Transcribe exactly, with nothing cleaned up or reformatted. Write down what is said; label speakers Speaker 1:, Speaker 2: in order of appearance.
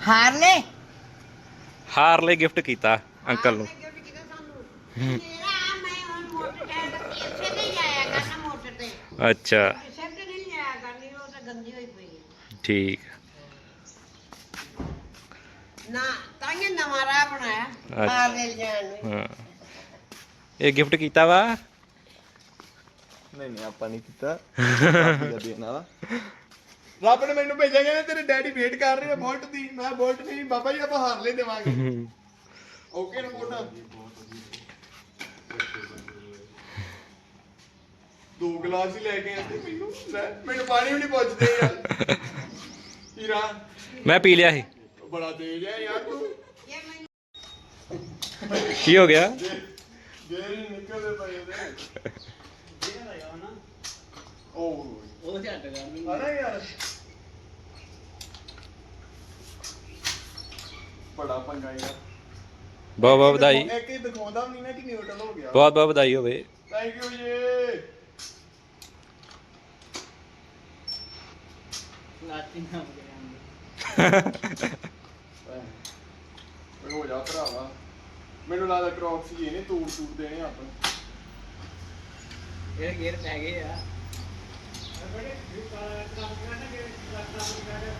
Speaker 1: Harley
Speaker 2: Harley gift ਕੀਤਾ uncle ਨੂੰ।
Speaker 1: ਮੇਰਾ ਮੈਂ ਹੁਣ ਮੋਟਰ ਤੇ ਇਸੇ ਤੇ ਹੀ ਆਇਆ ਕਰਨਾ ਮੋਟਰ ਤੇ
Speaker 2: ਅੱਛਾ
Speaker 1: ਕਿਸੇ ਤੇ ਨਹੀਂ ਆਇਆ ਕਰਨੀ ਉਹ ਤਾਂ ਗੰਦੀ ਹੋਈ ਪਈ ਹੈ।
Speaker 2: ਠੀਕ।
Speaker 1: ਨਾ ਤਾਂ ਇਹ ਨਵਾਂ ਰਾਹ ਬਣਾਇਆ ਹਾਰਲੇ ਜਾਣ ਨੂੰ।
Speaker 2: ਹਾਂ ਇਹ ਗਿਫਟ ਕੀਤਾ ਵਾ।
Speaker 3: ਨਹੀਂ ਨਹੀਂ ਆਪਾਂ ਨਹੀਂ ਕੀਤਾ। ਦੇਣ ਵਾਲਾ ਰੱਬ ਨੇ ਮੈਨੂੰ ਭੇਜਿਆ ਕਹਿੰਦੇ ਤੇਰੇ ਡੈਡੀ ਵੇਟ ਕਰ ਰਹੇ ਆ ਬੋਲਟ ਦੀ। ਮੈਂ ਬੋਲਟ ਨਹੀਂ ਬਾਬਾ ਜੀ ਆਪਾਂ ਹਾਰਲੇ ਦੇਵਾਂਗੇ। ਓਕੇ ਰਿਪੋਰਟ ਦੋ ਗਲਾਸ ਹੀ ਲੈ ਕੇ ਆਂਦੇ ਮੈਨੂੰ ਲੈ ਮੈਨੂੰ ਪਾਣੀ ਵੀ ਨਹੀਂ ਪੁੱਛਦੇ ਯਾਰ। ਹੀਰਾ
Speaker 2: ਮੈਂ ਪੀ ਲਿਆ ਸੀ।
Speaker 3: ਬੜਾ ਤੇਜ਼ ਹੈ ਯਾਰ ਤੂੰ।
Speaker 2: ਕੀ ਹੋ ਗਿਆ?
Speaker 3: ਜੇ ਨਿਕਲਦੇ ਪਏ ਉਹਦੇ ਉਹ ਉਹ ਛੱਡ ਗਾ ਅਰੇ ਯਾਰ ਬੜਾ ਪੰਗਾ ਯਾਰ।
Speaker 2: ਬਹੁਤ ਬਹੁਤ ਵਧਾਈ।
Speaker 3: ਇੱਕ ਹੀ ਦਿਖਾਉਂਦਾ ਨਹੀਂ ਨਾ ਕਿ ਨਿਊਟਰਲ ਹੋ ਗਿਆ।
Speaker 2: ਬਹੁਤ ਬਹੁਤ ਵਧਾਈ ਹੋਵੇ।
Speaker 3: ਥੈਂਕ ਯੂ ਜੀ।
Speaker 4: ਨਾਟਿੰਗ ਹੋ ਗਿਆ
Speaker 3: ਹੋ ਜਾ ਭਰਾਵਾ ਮੈਨੂੰ ਲੱਗਦਾ ਕ੍ਰੌਕਸ ਜੀ ਇਹਨੇ ਤੂੜ ਤੂੜ ਦੇਣੇ ਆਪਾਂ
Speaker 4: ਇਹ ਗੇਰ ਪੈ ਗਏ ਆ